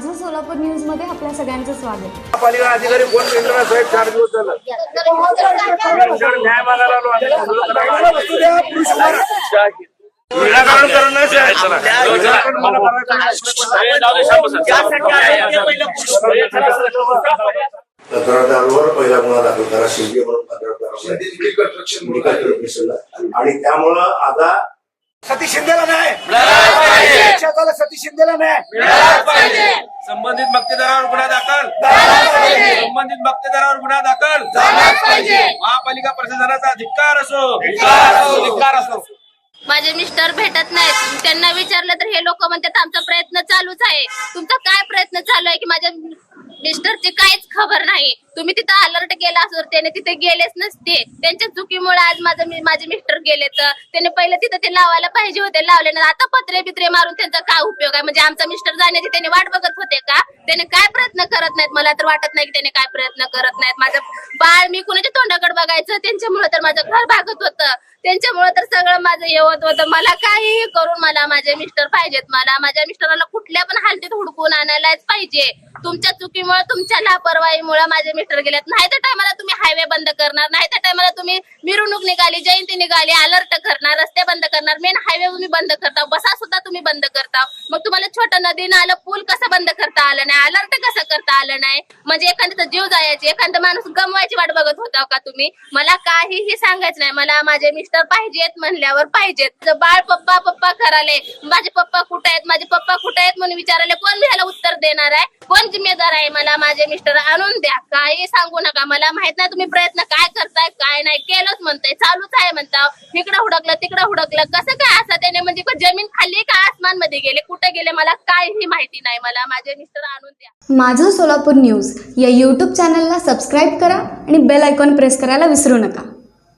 माझं सोलापूर न्यूज मध्ये आपल्या सगळ्यांचं स्वागत. पालिका अधिकारी कोण केंद्र साहेब 4 दिवस झालं न्याय मागायला आलो निराकरण करणं कंत्राटदारावर पहिला गुन्हा दाखल करा शिंदे म्हणून आणि त्यामुळं आता सतीश शिंदेला नाही सतीश शिंदेला नाही संबंधित मक्तेदारावर गुन्हा दाखल संबंधित मक्तेदारावर गुन्हा दाखल महापालिका प्रशासनाचा धिक्कार असो माझे मिस्टर भेटत नाहीत. त्यांना विचारलं तर हे लोक म्हणतात आमचा प्रयत्न चालूच आहे. तुमचा काय प्रयत्न चालू आहे की माझ्या मिस्टरची काहीच खबर नाही. तुम्ही तिथं अलर्ट केला असं त्याने तिथे गेलेच नसते. त्यांच्या चुकीमुळे आज माझे मिस्टर गेले. तर त्याने पहिले तिथं ते लावायला पाहिजे होते, लावले ना. आता पत्रे बित्रे मारून त्यांचा काय उपयोग आहे? म्हणजे आमचा मिस्टर जाण्याची त्याने वाट बघत होते का? त्याने काय प्रयत्न करत नाहीत. मला तर वाटत नाही की त्याने काय प्रयत्न करत नाहीत. माझं बाळ मी कुणाच्या तोंडाकडे बघायचं, त्यांच्यामुळे तर माझं घर भागत होतं. त्यांच्यामुळे तर सगळं माझं हे होत होतं. मला काहीही करून मला माझे मिस्टर पाहिजेत. मला माझ्या मिस्टराला कुठल्या पण हालतीत हुडकून आणायलाच पाहिजे. तुमच्या चुकीमुळे, तुमच्या लापरवाहीमुळे माझे मिस्टर गेलेत. नाही त्या टायमाला तुम्ही हायवे बंद करणार, नाही त्या टायमाला तुम्ही मिरवणूक निघाली, जयंती निघाली, अलर्ट करणार, रस्ते बंद करणार, मेन हायवे तुम्ही बंद करता, बसा सुद्धा तुम्ही बंद करता. मग तुम्हाला छोटं नदी नालं पूल कसं बंद करता आलं नाही? अलर्ट कसं करता आलं नाही? म्हणजे एखाद्याचा जीव जायचे, एखादा माणूस गमवायची वाट बघत होता का तुम्ही? मला काहीही सांगायचं नाही. मला माझे मिस्टर पाहिजेत म्हणल्यावर पाहिजेत. बाळ पप्पा पप्पा कराले, माझे पप्पा कुठे आहेत, माझे पप्पा कुठे आहेत म्हणून विचारायला कोण ह्याला उत्तर देणार आहे? कोण जिम्मेदार आहे? मला माझे मिस्टर आणून द्या. काही सांगू नका. मला माहित नाही तुम्ही प्रयत्न काय करताय काय नाही. केलंच म्हणताय, चालूच आहे म्हणता. इकडं हुडकलं तिकडं हुडकलं, कसं काय असं? त्याने म्हणजे जमीन खाल्ली का आसमान मध्ये गेले, कुठे गेले मला काहीही माहिती नाही. मला माझे मिस्टर आणून द्या. माझं सोलापूर न्यूज या यूट्यूब चॅनलला सबस्क्राईब करा आणि बेल आयकॉन प्रेस करायला विसरू नका.